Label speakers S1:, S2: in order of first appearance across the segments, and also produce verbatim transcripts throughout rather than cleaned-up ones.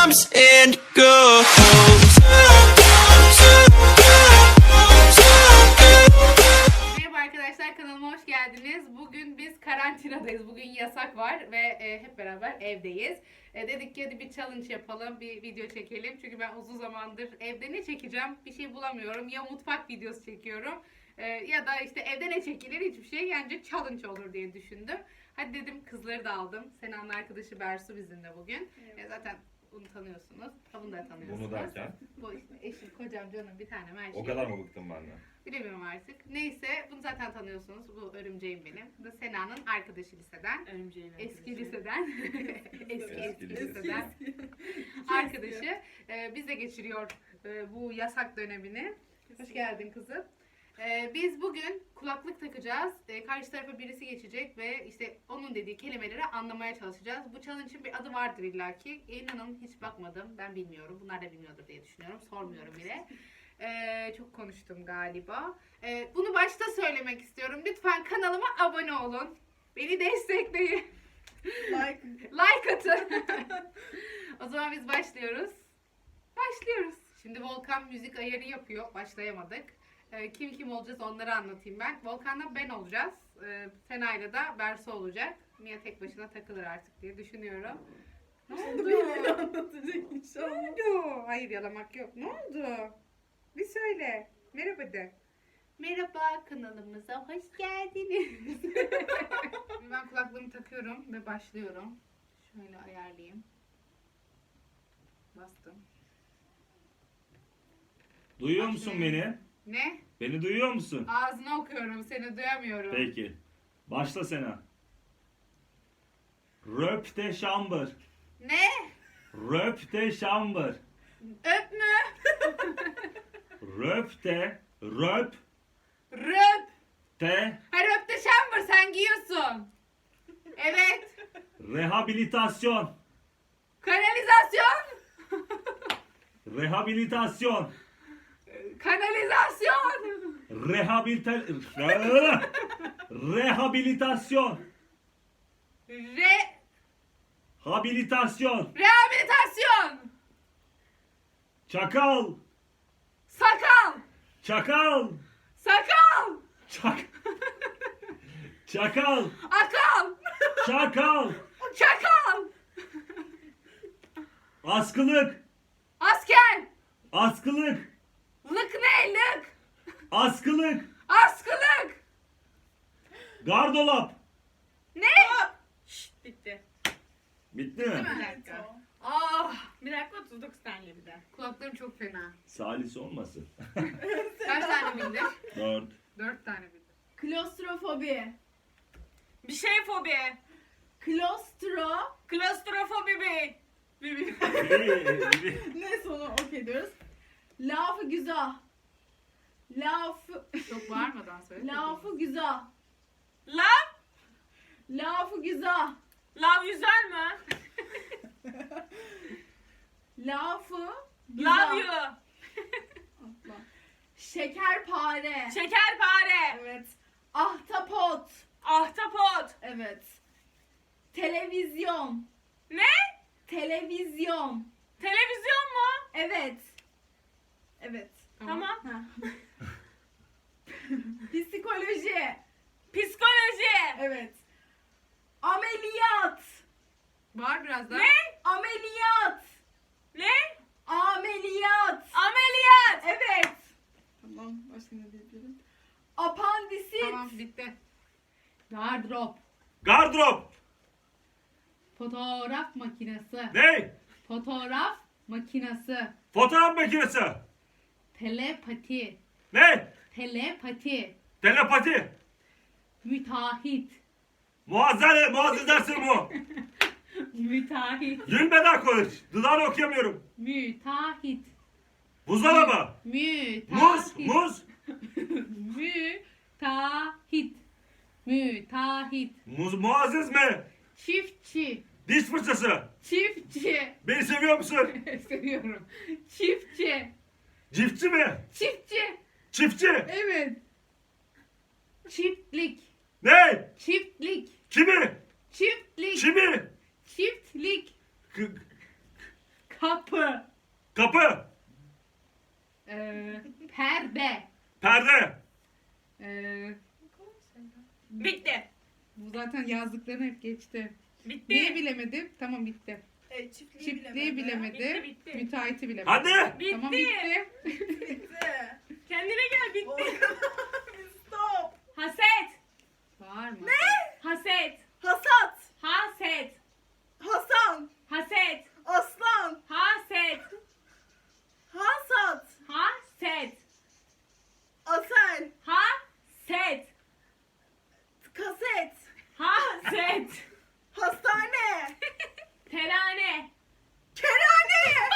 S1: comes and goes.
S2: Merhaba arkadaşlar, kanalıma hoş geldiniz. Bugün biz karantinadayız. Bugün yasak var ve e, hep beraber evdeyiz. E, dedik ki hadi bir challenge yapalım, bir video çekelim. Çünkü ben uzun zamandır evde ne çekeceğim bir şey bulamıyorum. Ya mutfak videosu çekiyorum e, ya da işte evde ne çekilir hiçbir şey. Yani challenge olur diye düşündüm. Hadi dedim, kızları da aldım. Sena'nın arkadaşı Bersu bizimle bugün. E, zaten bunu tanıyorsunuz. Ha, bunu da tanıyorsunuz.
S3: Bunu derken?
S2: Bu işte eşim, kocam, canım, bir tanem, her şey.
S3: O kadar mı bıktım benden?
S2: Bilemiyorum artık. Neyse, bunu zaten tanıyorsunuz. Bu örümceğim benim. Bu da Sena'nın arkadaşı liseden.
S4: Örümceğin
S2: Eski
S4: arkadaşı.
S2: liseden. eski eski
S3: Eski
S2: liseden. Arkadaşı. Ee, bizle geçiriyor e, bu yasak dönemini. Hoş geldin kızım. Ee, biz bugün kulaklık takacağız. Ee, karşı tarafa birisi geçecek ve işte onun dediği kelimeleri anlamaya çalışacağız. Bu challenge'ın bir adı vardır illaki. İnanın hiç bakmadım. Ben bilmiyorum. Bunlar da bilmiyordur diye düşünüyorum. Sormuyorum bile. Ee, çok konuştum galiba. Ee, bunu başta söylemek istiyorum. Lütfen kanalıma abone olun. Beni destekleyin.
S4: Like.
S2: Like atın. O zaman biz başlıyoruz. Başlıyoruz. Şimdi Volkan müzik ayarı yapıyor. Başlayamadık. Ee, kim kim olacağız onları anlatayım ben. Volkan'la ben olacağız. Ee, Sena'yla da Bersu olacak. Mia tek başına takılır artık diye düşünüyorum. Ne oldu?
S4: Birileri anlatacak
S2: Ne
S4: inşallah.
S2: oldu? Hayır, yalamak yok. Ne oldu? Bir söyle. Merhaba de. Merhaba, kanalımıza hoş geldiniz. Şimdi ben kulaklığımı takıyorum ve başlıyorum. Şöyle ayarlayayım. Bastım.
S3: Duyuyor musun beni?
S2: Ne?
S3: Beni duyuyor musun?
S2: Ağzını okuyorum, seni duyamıyorum.
S3: Peki. Başla Sena. Röp de şambır.
S2: Ne?
S3: Röp de şambır.
S2: Öp mü?
S3: Röp de röp
S2: Röp.
S3: de
S2: Ha, röp de şambır, sen giyiyorsun. Evet.
S3: rehabilitasyon.
S2: Kanalizasyon.
S3: Rehabilitasyon.
S2: Kanalizasyon.
S3: Rehabilita Rehabilitasyon.
S2: Re...
S3: Habilitasyon.
S2: Rehabilitasyon.
S3: Çakal.
S2: Sakal.
S3: Çakal.
S2: Sakal.
S3: Çak. Çakal.
S2: Akal.
S3: Çakal.
S2: Çakal.
S3: Askılık.
S2: Asker.
S3: Askılık.
S2: Lık ne? Lık.
S3: Askılık.
S2: Askılık.
S3: Gardolap.
S2: Ne?
S4: Şşt, bitti.
S3: Bitti mi?
S4: Bir dakika.
S2: Ah.
S4: Bir dakika, otuz dokuz saniye bir de.
S2: Kulaklarım çok fena.
S3: Salis olmasın.
S2: Kaç tane bildin?
S3: Dört.
S2: Dört tane bildim.
S4: Klostrofobi.
S5: Bir şey fobi.
S4: Klostro.
S5: Klostrofobi bir.
S3: Biri- biri-
S4: Ne sonu okey diyoruz. Lafı güzel. Lafı.
S2: Çok bağırmadan söyle.
S4: Lafı güzel.
S5: Love?
S4: Lafı güzel.
S5: Love yüzer mi?
S4: Lafı güzel.
S5: Love you.
S4: Atla. Şekerpare.
S5: Şekerpare.
S4: Evet. Ahtapot.
S5: Ahtapot.
S4: Evet. Televizyon.
S5: Ne?
S4: Televizyon.
S5: Televizyon mu?
S4: Evet. Evet.
S5: Tamam.
S4: Ha. Psikoloji.
S5: Psikoloji.
S4: Evet. Ameliyat.
S2: Bağır biraz daha.
S5: Ne?
S4: Ameliyat.
S5: Ne?
S4: Ameliyat.
S5: Ameliyat.
S4: Evet. Tamam. Başka ne diyebilirim? Apandisit.
S2: Tamam, bitti. Gardırop.
S3: Gardırop.
S2: Fotoğraf makinesi.
S3: Ne?
S2: Fotoğraf makinesi.
S3: Fotoğraf makinesi.
S2: Telepati.
S3: Ne?
S2: Telepati.
S3: Telepati.
S2: Müteahhit.
S3: Muazzez, muazzez dersi bu.
S2: Müteahhit.
S3: Gülmeden konuş. Dudağını okuyamıyorum.
S2: Müteahhit.
S3: Buzdolabı.
S2: Müteahhit.
S3: Muz, muz.
S2: Müteahhit. Müteahhit.
S3: Muz, muazzez mi?
S2: Çiftçi.
S3: Diş fırçası.
S2: Çiftçi.
S3: Beni seviyor musun?
S2: Seviyorum. Çiftçi.
S3: Çiftçi mi?
S2: Çiftçi.
S3: Çiftçi.
S2: Evet. Çiftlik.
S3: Ne?
S2: Çiftlik.
S3: Kimi?
S2: Çiftlik.
S3: Kimi?
S2: Çiftlik.
S3: K-
S2: Kap.
S3: Kapı.
S2: Ee, perde.
S3: Perde.
S2: Ee,
S5: Bitti.
S2: bu zaten yazdıklarını hep geçti.
S5: Bitti.
S2: Neyi bilemedim? Tamam bitti.
S4: E, çiftliği,
S2: Çiftliği bilemedi.
S5: Bitti, bitti.
S2: Müteahhiti bilemedi.
S3: Hadi.
S5: Bitti.
S2: Tamam bitti.
S4: Bitti.
S5: Kendine gel bitti.
S4: Stop.
S5: Haset.
S2: Var mı?
S5: Haset.
S4: Hasat.
S5: Haset.
S4: Hasan.
S5: Haset.
S4: Aslan.
S5: Haset.
S4: Hasat.
S5: Haset.
S4: Asel.
S5: Haset.
S4: Kaset.
S5: Haset.
S4: Hastane.
S5: Terane.
S4: Kerane.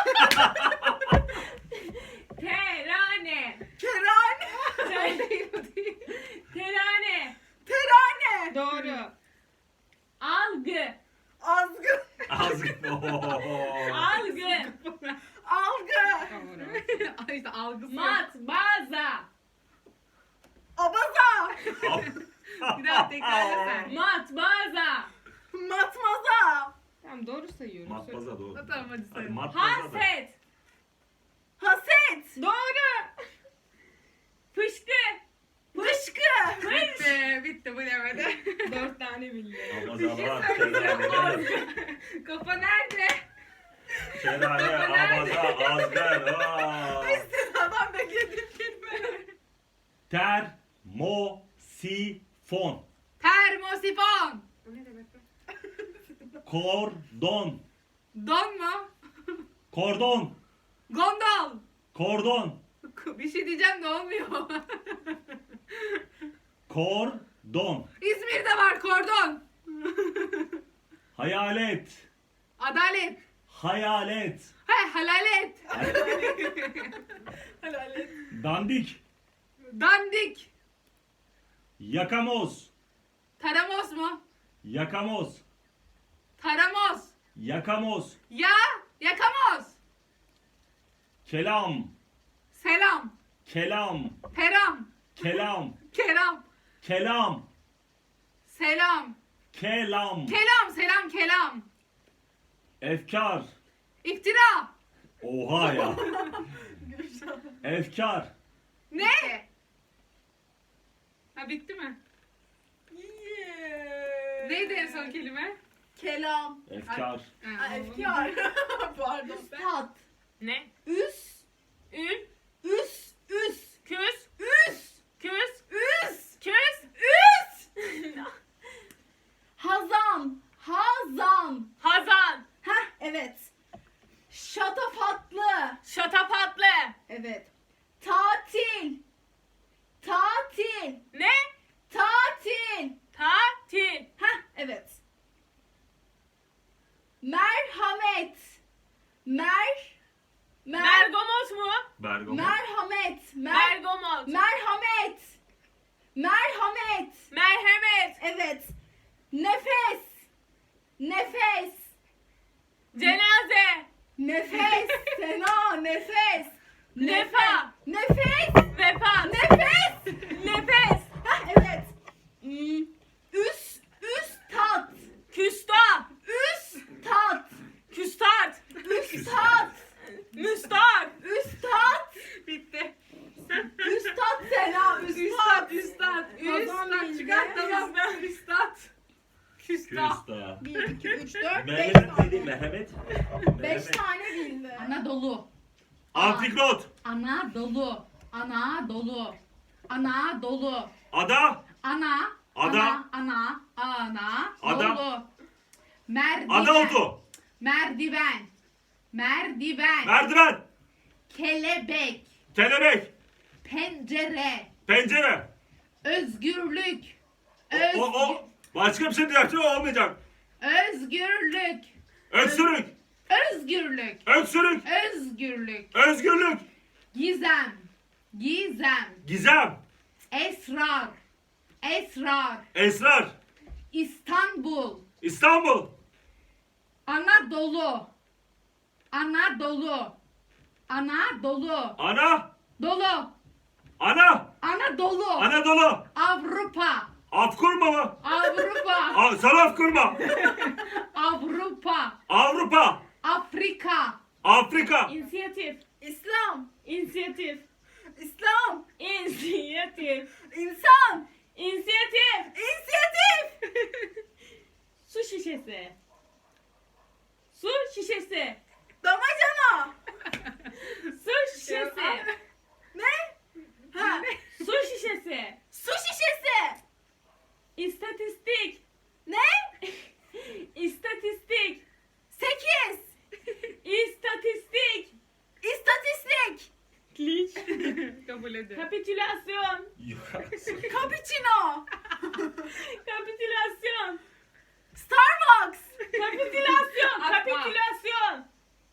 S5: Terane.
S4: Kerane.
S5: Ter- Terane.
S4: Terane.
S2: Doğru.
S5: Algı.
S4: Azgın.
S3: Ağzı.
S5: Algı.
S4: Algı.
S2: Doğru. işte algısı. yok.
S5: Matbaza.
S4: Abaza.
S2: Bir daha tekrarla sen.
S5: Matbaza.
S4: Matmaza.
S2: Tamam doğru sayıyorum.
S3: Matbaza doğru.
S2: Tamam hadi
S3: Hadi
S2: say.
S3: matbaza da.
S5: Haset.
S4: Haset.
S5: Doğru. Fışkı.
S4: Fışkı.
S2: Bitti. Bitti bilemedi.
S5: Dört tane bildi.
S3: Abazalar. Kerane.
S2: Kafa nerede?
S3: Kerane. Abaza. Azgar. Aa.
S4: Adam beklediğim kelime.
S3: Termosifon.
S2: Termosifon. O ne demek be?
S3: Kordon.
S2: Don mu?
S3: Kordon.
S2: Gondol.
S3: Kordon.
S2: Bir şey diyeceğim de olmuyor.
S3: Kordon.
S2: İzmir'de var kordon.
S3: Hayalet.
S2: Adalet.
S3: Hayalet.
S2: He halalet.
S4: Helal et.
S3: Dandik.
S2: Dandik.
S3: Yakamoz.
S2: Taramos mu?
S3: Yakamoz.
S2: Taramos.
S3: Yakamoz.
S2: Ya yakamoz.
S3: Kelam.
S2: Selam.
S3: Kelam.
S2: Peram.
S3: Kelam.
S2: Keram.
S3: Kelam.
S2: Selam.
S3: Kelam.
S2: Kelam selam kelam.
S3: Efkar.
S2: İftira.
S3: Oha ya. Efkar.
S2: Ne? Ha bitti mi?
S4: Yeah.
S2: Neydi en son kelime?
S4: Kelam.
S3: Efkar.
S2: Ha,
S4: Aa, efkar. Pardon. Tat.
S5: Ne?
S4: Üs.
S5: Ün.
S4: Üs. Üs.
S5: Küs.
S4: Üs.
S5: Küs.
S4: Üs.
S5: Küs.
S4: Üs. Hazan. Hazan.
S5: Hazan.
S4: Heh evet. Şatafatlı.
S5: Şatafatlı.
S4: Evet. Tatil. Tatil.
S5: Ne?
S4: Tatil.
S5: Tatil.
S4: Heh evet. Merhamet. Mer. Mer.
S5: Bergamos mu?
S3: Bergamo.
S4: Merhamet. Mer.
S5: Bergamos.
S4: Merhamet. Merhamet.
S5: Merhamet.
S4: Evet. Nefes. Nefes.
S5: Cenaze.
S4: Nefes. Sena. Nefes.
S5: Nefa.
S4: Nefes.
S5: Vefa.
S4: Nefes.
S5: Nefes.
S4: Heh, evet. Hmm. Üs. Üst tat.
S5: Küsta.
S4: Üst tat.
S5: Küstart.
S4: Üst tat.
S5: Müstak.
S4: Üst tat.
S2: Bitti.
S4: Üst tat Sena. Üst
S2: Üstad,
S4: tat.
S2: üstad,
S4: Kazan
S2: üstad
S4: bildi.
S2: çıkart tamam. Üstad. Küstah.
S3: Küsta.
S4: bir, iki, üç, dört, beş
S3: Mehmet
S4: tane.
S3: dedi Mehmet.
S4: Beş
S3: Mehmet.
S4: tane bildi.
S2: Anadolu.
S3: Antikrot.
S2: Anadolu. Anadolu. Anadolu.
S3: Ada.
S2: Ana.
S3: Ada.
S2: Ana. Ana. Ana.
S3: Ada.
S2: Dolu. Merdiven.
S3: Ada otu.
S2: Merdiven. Merdiven.
S3: Merdiven.
S2: Kelebek.
S3: Kelebek.
S2: Pencere.
S3: Pencere.
S2: Özgürlük.
S3: O,
S2: Öz-
S3: o, o. Başka bir şey diyeceksin olmayacak.
S2: Özgürlük.
S3: Öksürük.
S2: Özgürlük.
S3: Öksürük.
S2: Özgürlük.
S3: Özgürlük.
S2: Gizem. Gizem.
S3: Gizem.
S2: Esrar. Esrar.
S3: Esrar.
S2: İstanbul.
S3: İstanbul.
S2: Anadolu. Anadolu. Anadolu.
S3: Ana.
S2: Dolu.
S3: Ana.
S2: Anadolu.
S3: Anadolu.
S2: Avrupa.
S3: Afkurma mı?
S2: Avrupa.
S3: A, sana afkurma.
S2: Avrupa.
S3: Avrupa.
S2: Afrika.
S3: Afrika.
S5: İnisiyatif.
S4: İslam.
S5: İnisiyatif.
S4: İslam.
S5: İnisiyatif.
S4: İnsan.
S5: İnisiyatif.
S4: İnisiyatif.
S5: Su şişesi. Su şişesi.
S4: Damacana.
S5: Su şişesi.
S4: Ne? Ha.
S5: Su şişesi.
S4: Su şişesi.
S5: İstatistik.
S4: Ne?
S5: İstatistik.
S4: Sekiz.
S5: İstatistik.
S4: İstatistik.
S5: Linç.
S2: Kabul edin.
S5: Kapitülasyon.
S4: Cappuccino.
S5: Kapitülasyon.
S4: Starbucks.
S5: Kapitülasyon.
S2: Atma.
S5: Kapitülasyon.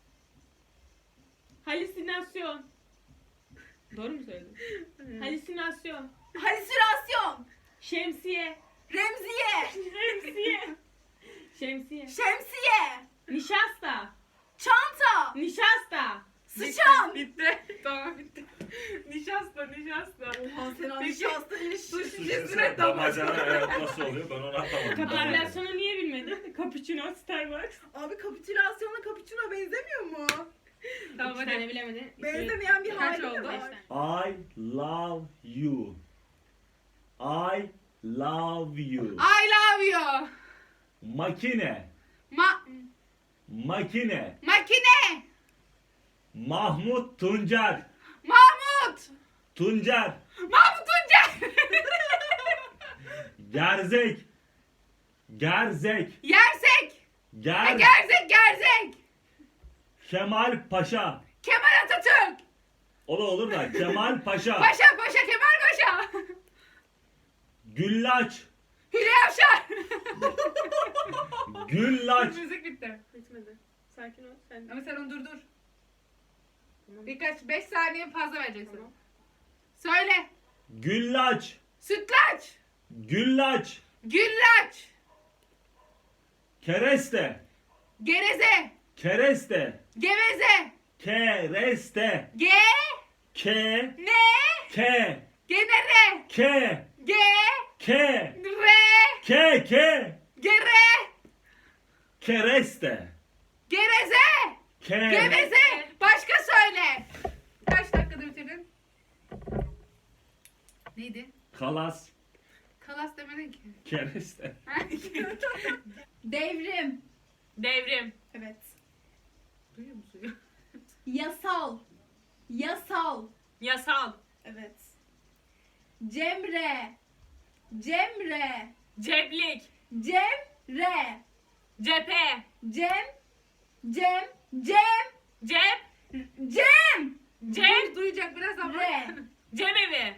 S5: Halüsinasyon. Doğru mu söyledim? Halüsinasyon.
S4: Halüsinasyon.
S5: Şemsiye.
S4: Remziye.
S5: Şemsiye. Şemsiye.
S4: Şemsiye.
S5: Nişasta.
S4: Çanta.
S5: Nişasta.
S4: Sıçan.
S2: Bitti. Tamam bitti. Nişasta nişasta.
S4: Oha sen
S2: Peki.
S4: nişasta iş.
S2: Su
S3: Şişesine
S2: şişesine
S3: damacana
S2: damacana.
S3: evet nasıl oluyor ben onu anlamadım.
S5: Kapitülasyonu niye bilmedin? Cappuccino, Starbucks.
S4: Abi kapitülasyonla cappuccino benzemiyor mu?
S2: Tamam
S5: İki tane
S2: hadi.
S5: bilemedin.
S4: Benzemeyen bir
S2: Kaç
S4: hali de
S2: oldu?
S4: var.
S3: I love you. I love you.
S2: I love you.
S3: Makine.
S2: Ma
S3: Makine.
S2: makine.
S3: Mahmut Tuncer.
S2: Mahmut.
S3: Tuncer.
S2: Mahmut Tuncer.
S3: Gerzek. Gerzek.
S2: Yersek. Ha,
S3: Ger.
S2: gerzek gerzek.
S3: Kemal Paşa.
S2: Kemal Atatürk.
S3: O da olur da Kemal Paşa.
S2: Paşa paşa Kemal Paşa.
S3: Güllaç.
S2: Hülya Avşar.
S3: Güllaç.
S2: Müzik bitti.
S5: Bitmedi. Sakin ol. Sen
S2: Ama sen onu durdur.
S5: Tamam.
S2: Birkaç beş saniye fazla vereceksin.
S5: Tamam.
S2: Söyle.
S3: Güllaç.
S2: Sütlaç.
S3: Güllaç.
S2: Güllaç.
S3: Kereste.
S2: Gereze.
S3: Kereste.
S2: Geveze.
S3: Kereste.
S2: Ge.
S3: Ke.
S2: Ne.
S3: Ke.
S2: Genere.
S3: Ke.
S2: Ge.
S3: Ke.
S2: Re.
S3: Ke. Ke.
S2: Gere.
S3: Kereste.
S2: Gereze.
S3: Ke.
S2: Geveze. Başka söyle. Kaç dakikada bitirdin? Neydi?
S3: Kalas.
S2: Kalas demedin ki.
S3: Kereste.
S4: Devrim.
S5: Devrim.
S4: Evet.
S2: Duyuyor musun?
S4: Yasal. Yasal.
S5: Yasal.
S4: Evet. Cemre. Cemre.
S5: Ceplik.
S4: Cemre.
S5: Cephe.
S4: Cem. Cem. Cem.
S5: Cep.
S4: Cem.
S5: Cem.
S2: Duyacak biraz ama.
S4: Re.
S5: Cemevi.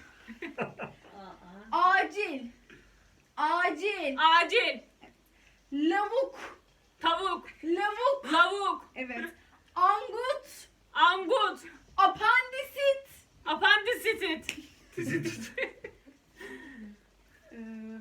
S4: Acil. Acil.
S5: Acil.
S4: Lavuk.
S5: Tavuk.
S4: Lavuk.
S5: Lavuk.
S4: Evet. Angut.
S5: Angut.
S4: Apandisit.
S5: Apandisit.
S3: Tizit.
S4: Ee,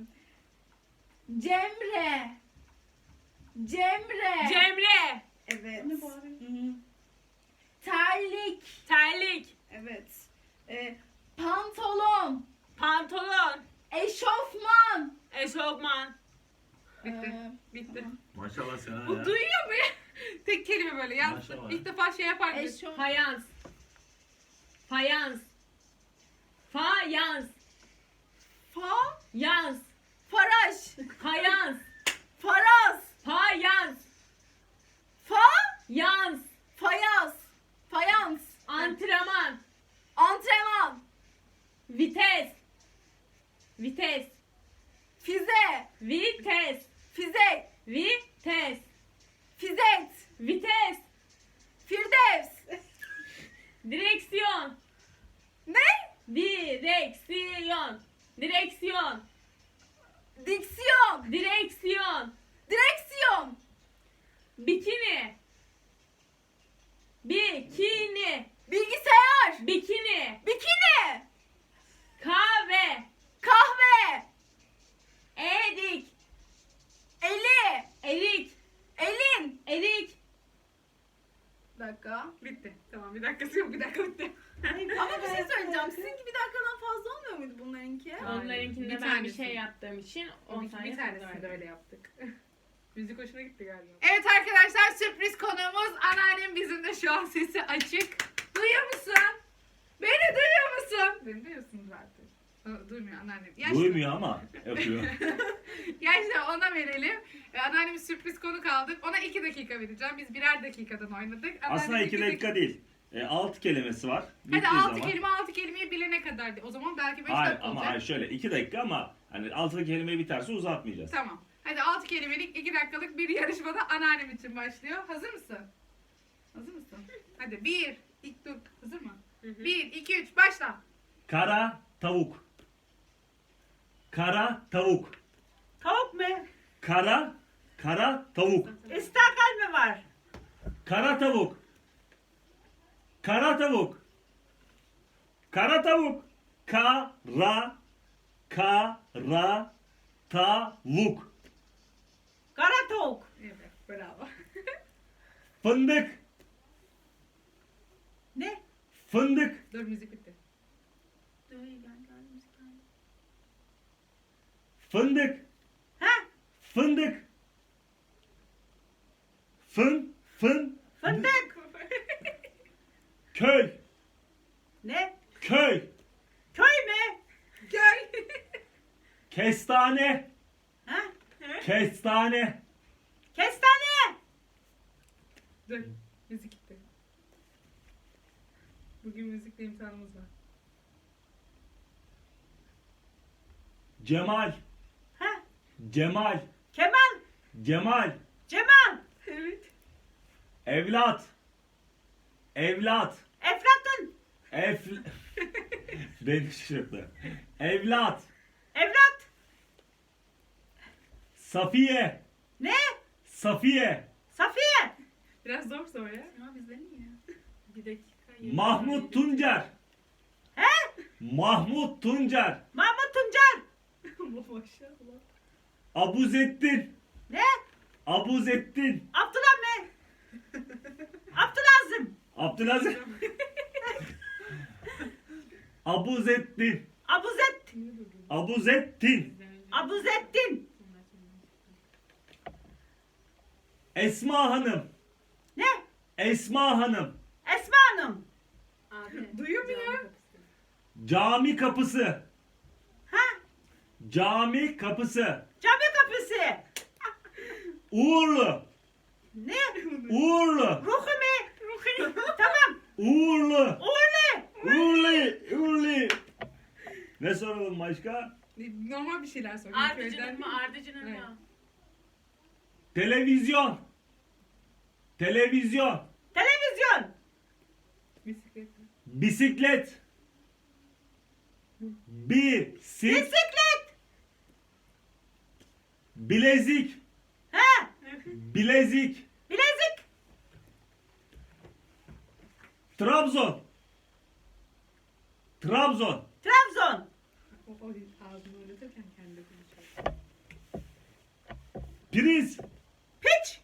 S4: Cemre. Cemre.
S5: Cemre.
S4: Evet. Hı. Terlik.
S5: Terlik.
S4: Evet. Ee, pantolon.
S5: Pantolon.
S4: Eşofman.
S5: Eşofman.
S2: Bitti.
S4: Ee,
S2: Bitti.
S3: Maşallah sana
S2: Bu
S3: ya.
S2: duyuyor mu ya? Tek kelime böyle. Yalnız
S3: Maşallah.
S2: ilk defa şey yapar gibi.
S4: eşof.
S5: Fayans. Fayans. Fayans.
S4: Fa.
S5: Yans.
S4: Faraş.
S5: Fayans.
S4: Faraz.
S5: Fayans.
S4: Fa.
S5: Yans.
S4: Fayaz. Fayans.
S5: Antrenman.
S4: Antrenman.
S5: Vites. Vites.
S4: Fize.
S5: Vites.
S4: Fizek.
S5: Vites.
S4: Fizet.
S5: Vites.
S4: Firdevs.
S5: Direksiyon.
S4: Ne?
S5: Direksiyon. Direksiyon.
S4: Diksiyon.
S5: Direksiyon.
S4: Direksiyon.
S5: Bikini. Bikini.
S4: Bilgisayar.
S5: Bikini.
S4: Bikini.
S5: Kahve.
S4: Kahve.
S5: Erik.
S4: Eli.
S5: Erik.
S4: Elin.
S5: Erik.
S4: Bir dakika.
S2: Bitti. Tamam bir dakikası yok. Bir dakika bitti.
S4: Ama bir şey söyleyeceğim. Sizinki bir dakikadan fazla olmuyor muydu bunlarınki?
S2: Hayır,
S5: Onlarınkinde
S2: bir
S5: ben bir
S2: tanesi.
S5: şey yaptığım için on
S2: Bir,
S5: saniye
S2: bir
S5: fazla
S2: tanesini de
S5: verdim.
S2: öyle yaptık. Müzik hoşuna gitti galiba. Evet arkadaşlar sürpriz konuğumuz anneannem bizimle Şu an sesi açık. Duyuyor musun? Beni duyuyor musun? Beni duyuyorsun zaten. O, duymuyor anneannem. Yaşlı.
S3: Duymuyor ama yapıyor.
S2: Gerçekten ona verelim. Ee, anneanneme sürpriz konuk aldık. Ona iki dakika vereceğim. Biz birer dakikadan oynadık.
S3: Aslında
S2: Anneannem
S3: iki dakika değil. E, altı kelimesi var.
S2: Hadi
S3: Bittiği
S2: altı
S3: zaman.
S2: kelime altı kelimeyi bilene kadar. de- O zaman belki beş
S3: Hayır
S2: dakika
S3: ama
S2: olacak.
S3: hayır, şöyle iki dakika ama hani altı kelime biterse uzatmayacağız.
S2: Tamam. Hadi altı kelimelik iki dakikalık bir yarışmada anneannem için başlıyor. Hazır mısın? Hazır mısın? Hadi bir, ilk dur. Hazır mı? Bir, iki, üç, başla.
S3: Kara tavuk. Kara tavuk.
S6: Tavuk mu?
S3: Kara, kara tavuk.
S6: İstakal mı var?
S3: Kara tavuk. Kara tavuk. Kara tavuk. Kara, kara, tavuk.
S6: Kara tavuk.
S2: Evet, bravo.
S3: Fındık.
S6: Ne?
S3: Fındık.
S2: Dur müzik bitti.
S3: Fındık.
S6: Ha?
S3: Fındık. Fın, fın,
S6: Fındık.
S3: köy.
S6: Ne?
S3: Köy.
S6: Köy mü?
S2: Gel.
S3: Kestane.
S6: Ha?
S3: Kestane.
S6: Kestane.
S2: Dur, müzik bitti. Bugün müzikle imtihanımız var.
S3: Cemal.
S6: Ha?
S3: Cemal.
S6: Kemal.
S3: Cemal.
S6: Cemal.
S2: Evet.
S3: Evlat. Evlat.
S6: Eflatun.
S3: Ef... Beni şaşırttı. Evlat.
S6: Evlat.
S3: Safiye.
S6: Ne?
S3: Safiye.
S6: Safiye.
S2: Biraz zor sor ya. Ama bizden iyi ya. Bir dakika.
S3: Mahmut Tuncer.
S6: He?
S3: Mahmut Tuncer.
S6: Mahmut Tuncer.
S2: Maşallah.
S3: Abuzettin.
S6: Ne?
S3: Abuzettin.
S6: Abdullah mı? Abdülazim.
S3: Abdülaziz. Abuzettin.
S6: Abuzet.
S3: Abuzettin.
S6: Abuzettin.
S3: Esma Hanım.
S6: Ne?
S3: Esma Hanım.
S6: Esma Hanım.
S2: Abi. Duyuyor mu ya?
S3: Cami kapısı.
S6: Ha?
S3: Cami kapısı.
S6: Cami kapısı.
S3: Uğurlu.
S6: Ne?
S3: Uğurlu.
S6: Ruhu mu? Ruhu. Tamam.
S3: Uğurlu.
S6: Uğurlu.
S3: Uğurlu. Uğurlu. Ne soralım başka?
S2: Normal bir şeyler sor.
S5: Ardıcının mı? Ardıcının
S2: Evet.
S5: mı?
S3: Televizyon. Televizyon.
S6: Televizyon.
S2: Bisiklet.
S3: Bisiklet. Bisiklet.
S6: Bisiklet.
S3: Bilezik.
S6: Ha?
S3: Bilezik.
S6: Bilezik.
S3: Trabzon. Trabzon.
S6: Trabzon.
S2: O, o ağzını oynatırken kendi konuşuyor.
S3: Priz.
S6: Piç.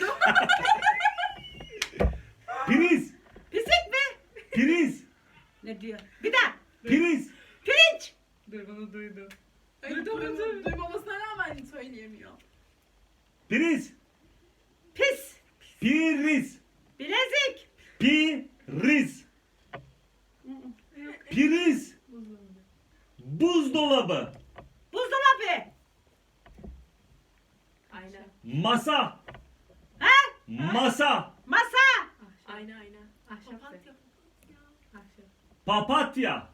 S3: Priz.
S6: Pisik mi?
S3: Priz.
S6: Ne diyor? Bir daha.
S3: Priz.
S6: Pirinç.
S2: Dur bunu duydu.
S4: Ay, duyma- duymamasına rağmen söyleyemiyor.
S3: Priz.
S6: Pis.
S3: Priz.
S6: Bilezik.
S3: Priz. Priz. Buzdolabı.
S6: Buzdolabı.
S5: Ayna.
S3: Masa.
S6: Ha?
S3: Masa.
S6: Masa.
S5: Ayna ayna.
S2: Ahşap
S5: Papatya.
S2: de. Ahşap.
S3: Papatya.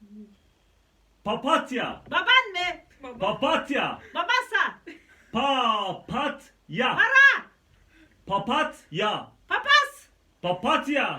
S3: Papatya.
S6: Baban mı?
S3: Papatya.
S6: Babasa.
S3: Papatya.
S6: Para.
S3: Papatya.
S6: Papas.
S3: Papatya.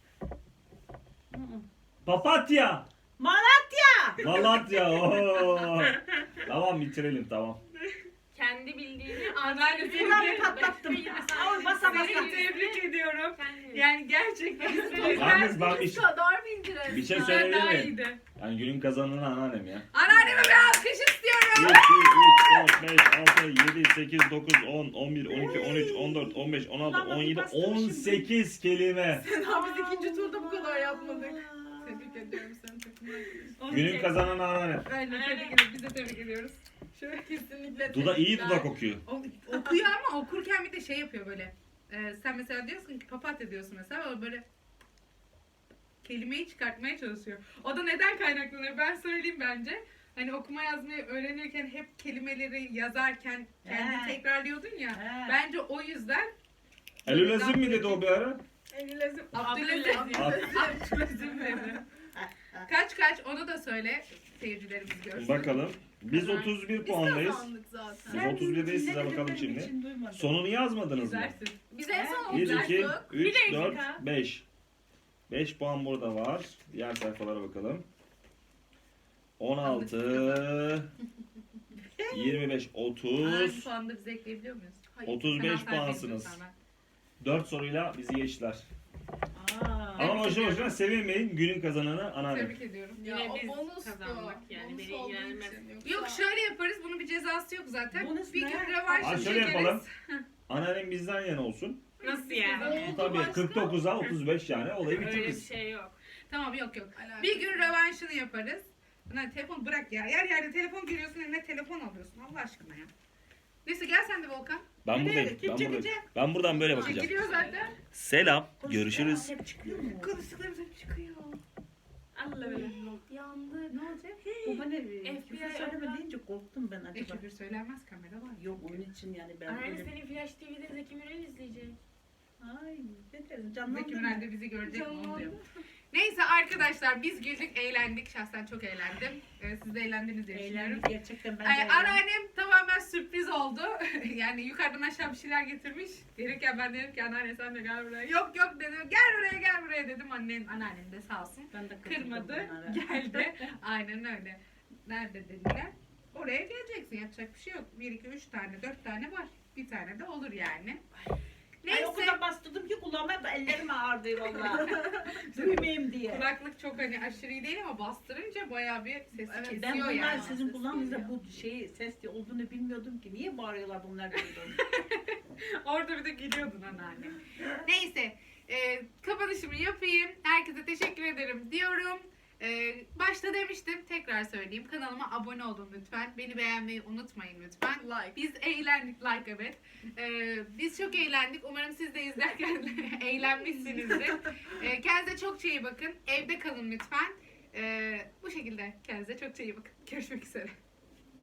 S3: Papatya.
S6: Malatya.
S3: Malatya. Oo. Tamam bitirelim tamam.
S5: Kendi bildiğini
S2: Anneannesi
S6: Bunları patlattım. Al basa
S2: Seni
S6: basa.
S2: tebrik ediyorum.
S5: Kendi.
S2: Yani gerçekten
S3: Yalnız ben bir,
S4: kadar bildirelim.
S3: bir şey
S2: Sen
S3: söyleyebilir
S2: daha
S3: miyim?
S2: iyiydi.
S3: Yani günün kazananı anneannem ya.
S2: Anneanneme bir alkış
S3: bir,
S2: istiyorum.
S3: iki, üç, dört, beş, altı, yedi, sekiz, dokuz, on, on bir, on iki, on üç, on dört, on beş, on altı, on yedi, on sekiz kelime.
S4: Daha biz ikinci turda bu kadar yapmadık. Tebrik ediyorum seni takım arkadaşım.
S3: Günün kazananı anneannem.
S2: Aynen tebrik ediyoruz. Biz de tebrik ediyoruz.
S4: Şöyle kesinlikle
S3: Duda iyi
S4: tebrikler.
S3: dudak okuyor.
S2: O- okuyor ama okurken bir de şey yapıyor böyle. Ee, sen mesela diyorsun ki papatya diyorsun mesela, o böyle kelimeyi çıkartmaya çalışıyor. O da neden kaynaklanıyor? Ben söyleyeyim bence. Hani okuma yazmayı öğrenirken hep kelimeleri yazarken kendini
S6: He.
S2: tekrarlıyordun ya.
S6: He.
S2: Bence o yüzden
S3: Elülezim mi dedi o bir ara?
S2: Elülezim, Abdülazim.
S5: Abdülazim.
S2: Abdülazim dedi. Kaç kaç onu da söyle, seyircilerimiz görsün.
S3: Bakalım. Biz
S2: Aha.
S3: otuz bir
S4: Biz
S3: puandayız.
S4: kazandık zaten.
S3: Biz otuz birdeyiz, size bakalım
S6: Dinlemediklerim
S3: şimdi.
S6: için duymadım.
S3: Sonunu yazmadınız mı?
S2: İzlersin.
S4: Biz en son
S3: bir, iki,
S4: oturduk.
S3: üç,
S5: Bir
S3: dört,
S5: dakika.
S3: beş. beş puan burada var. Diğer sayfalara bakalım. on altı, yirmi beş,
S2: Aynı
S3: otuz,
S2: puanda bize ekleyebiliyor muyuz? Hayır.
S3: otuz beş
S2: Hemen fark
S3: puansınız.
S2: ediyoruz hemen.
S3: dört soruyla bizi geçtiler.
S6: Aa.
S3: Ama boşuna boşuna sevinmeyin. Günün kazananı anneannem.
S2: Tebrik ediyorum.
S4: Ya
S5: Yine
S4: o
S5: biz
S4: bonustu.
S5: kazandık yani,
S4: Bonus
S5: beni
S4: olduğu
S5: ilgilendirmez.
S4: için. Yoksa-
S2: Yok şöyle yaparız, bunun bir cezası yok zaten.
S6: Bonus
S2: bir
S6: ne?
S2: gün
S3: Aa,
S2: rövanşını
S3: şöyle
S2: çekeriz.
S3: yapalım. Anneannem bizden yana olsun.
S5: Nasıl yani?
S4: Oldu
S3: Tabii
S4: başka?
S3: kırk dokuza otuz beş yani olayı
S5: Öyle bir
S3: bitiririz.
S5: şey yok.
S2: Tamam, yok yok.
S4: Alakası
S2: Bir gün
S4: yok.
S2: rövanşını yaparız. Lan telefon bırak ya. Yer yerde telefon görüyorsun, eline telefon alıyorsun. Allah aşkına ya. Neyse gel sen de Volkan.
S3: Ben
S6: Nereye?
S3: buradayım.
S6: Kim
S3: Ben
S6: çekecek?
S3: buradayım. Ben buradan böyle bakacağım.
S2: Çekiliyor zaten.
S3: Selam. Görüşürüz.
S6: Hep çıkıyor mu?
S2: Konuştuklarımız hep çıkıyor.
S5: Allah öyle.
S4: Yandı. Ne olacak?
S6: Bu bana
S5: F B I
S6: küfür söyleme
S5: abla.
S6: deyince korktum ben
S2: E
S6: acaba.
S2: küfür söylenmez, kamera var.
S6: Yok onun için yani ben
S5: Anneanne
S6: öyle...
S5: senin Flash T V'de Zeki Müren izleyecek.
S6: Ay ne derim
S2: Zeki
S6: canlandırma.
S2: Müren de bizi görecek mi onu
S4: Canlandı.
S2: diyor. Neyse arkadaşlar, biz güldük, eğlendik. Şahsen çok eğlendim. Ee, siz de eğlendiniz diye düşünüyorum.
S6: Eğlendik gerçekten ben de
S2: Ay,
S6: eğlendim.
S2: anneannem tamamen sürpriz oldu. Yani yukarıdan aşağı bir şeyler getirmiş. Gelirken ben dedim ki anneanne sen de gel buraya. Yok yok dedim. Gel buraya gel buraya dedim. Annem, anneannem de sağ olsun.
S6: Ben de katıldım
S2: Kırmadı.
S6: bunlara.
S2: Geldi. Aynen öyle. Nerede dediler. Oraya geleceksin. Yapacak bir şey yok. Bir, iki, üç tane, dört tane var. Bir tane de olur yani.
S6: Ay, o
S2: Neyse.
S6: kadar bastırdım ki kulağıma ellerim ağrıdı valla. Duymayayım diye.
S2: Kulaklık çok hani aşırı iyi değil ama bastırınca bayağı bir sesi
S4: Evet,
S2: kesiyor
S6: Ben bunlar
S2: yani.
S6: sizin kulağınızda
S4: geliyor.
S6: bu şey ses olduğunu bilmiyordum ki. Niye bağırıyorlar bunlar duydum.
S2: Orada bir de gülüyordun anneanne. Neyse. E, kapanışımı yapayım. Herkese teşekkür ederim diyorum. E, başta demiştim. Tekrar söyleyeyim. Kanalıma abone olun lütfen. Beni beğenmeyi unutmayın lütfen.
S4: Like.
S2: Biz eğlendik. Like evet. E, biz çok eğlendik. Umarım siz de izlerken eğlenmişsinizdir. E, kendinize çok iyi bakın. Evde kalın lütfen. E, bu şekilde kendinize çok iyi bakın. Görüşmek üzere.